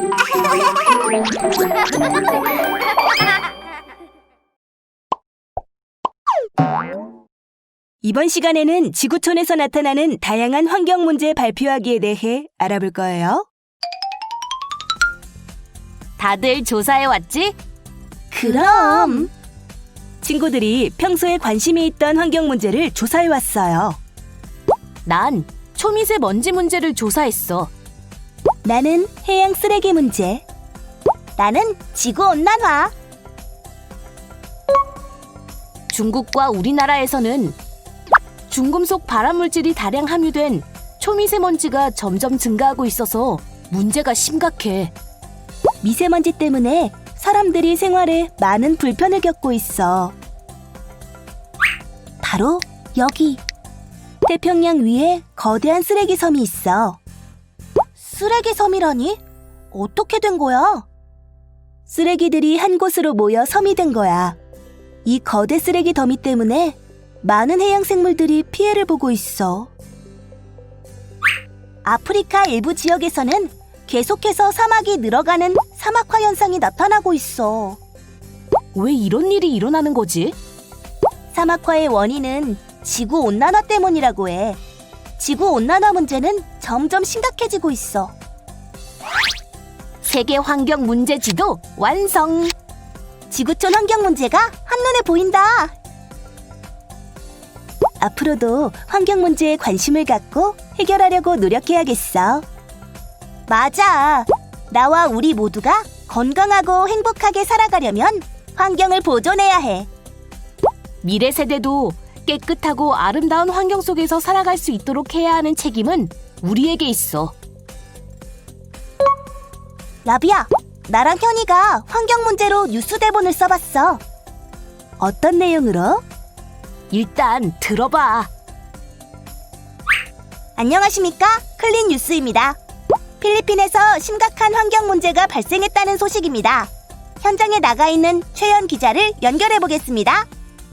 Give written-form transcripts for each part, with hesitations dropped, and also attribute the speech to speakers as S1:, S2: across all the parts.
S1: 이번 시간에는 지구촌에서 나타나는 다양한 환경 문제 발표하기에 대해 알아볼 거예요.
S2: 다들 조사해 왔지?
S1: 그럼! 친구들이 평소에 관심이 있던 환경 문제를 조사해 왔어요.
S2: 난 초미세먼지 문제를 조사했어.
S1: 나는 해양 쓰레기 문제. 나는 지구온난화.
S2: 중국과 우리나라에서는 중금속 발암물질이 다량 함유된 초미세먼지가 점점 증가하고 있어서 문제가 심각해.
S1: 미세먼지 때문에 사람들이 생활에 많은 불편을 겪고 있어. 바로 여기. 태평양 위에 거대한 쓰레기 섬이 있어. 쓰레기 섬이라니? 어떻게 된 거야? 쓰레기들이 한 곳으로 모여 섬이 된 거야. 이 거대 쓰레기 더미 때문에 많은 해양 생물들이 피해를 보고 있어. 아프리카 일부 지역에서는 계속해서 사막이 늘어가는 사막화 현상이 나타나고 있어.
S2: 왜 이런 일이 일어나는 거지?
S1: 사막화의 원인은 지구온난화 때문이라고 해. 지구온난화 문제는 점점 심각해지고 있어.
S2: 세계 환경 문제 지도 완성!
S1: 지구촌 환경 문제가 한눈에 보인다. 앞으로도 환경 문제에 관심을 갖고 해결하려고 노력해야겠어. 맞아. 나와 우리 모두가 건강하고 행복하게 살아가려면 환경을 보존해야 해.
S2: 미래 세대도 깨끗하고 아름다운 환경 속에서 살아갈 수 있도록 해야 하는 책임은 우리에게 있어.
S1: 라비야, 나랑 현이가 환경 문제로 뉴스 대본을 써봤어. 어떤 내용으로?
S2: 일단 들어봐.
S1: 안녕하십니까? 클린 뉴스입니다. 필리핀에서 심각한 환경 문제가 발생했다는 소식입니다. 현장에 나가 있는 최연 기자를 연결해 보겠습니다.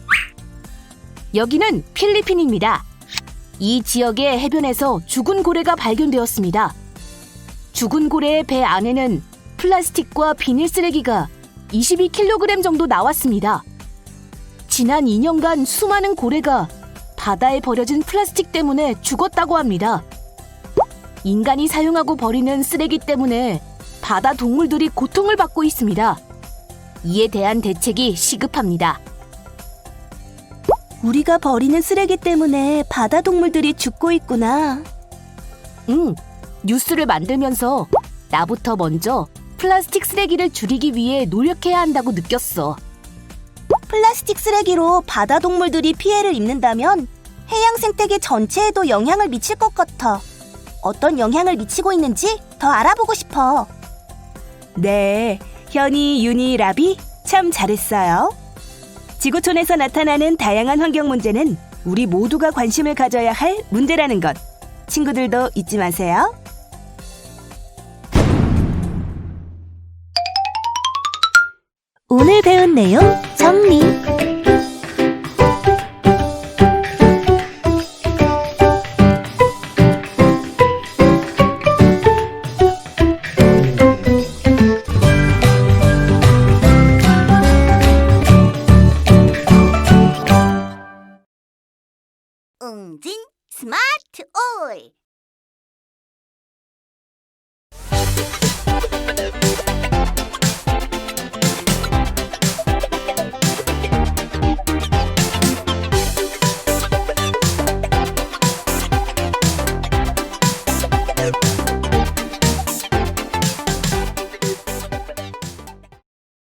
S2: 여기는 필리핀입니다. 이 지역의 해변에서 죽은 고래가 발견되었습니다. 죽은 고래의 배 안에는 플라스틱과 비닐 쓰레기가 22kg 정도 나왔습니다. 지난 2년간 수많은 고래가 바다에 버려진 플라스틱 때문에 죽었다고 합니다. 인간이 사용하고 버리는 쓰레기 때문에 바다 동물들이 고통을 받고 있습니다. 이에 대한 대책이 시급합니다.
S1: 우리가 버리는 쓰레기 때문에 바다 동물들이 죽고 있구나.
S2: 뉴스를 만들면서 나부터 먼저 플라스틱 쓰레기를 줄이기 위해 노력해야 한다고 느꼈어.
S1: 플라스틱 쓰레기로 바다 동물들이 피해를 입는다면 해양 생태계 전체에도 영향을 미칠 것 같아. 어떤 영향을 미치고 있는지 더 알아보고 싶어. 네, 현이, 윤이, 라비 참 잘했어요. 지구촌에서 나타나는 다양한 환경 문제는 우리 모두가 관심을 가져야 할 문제라는 것. 친구들도 잊지 마세요. 오늘 배운 내용 정리.
S3: 웅진 스마트 오일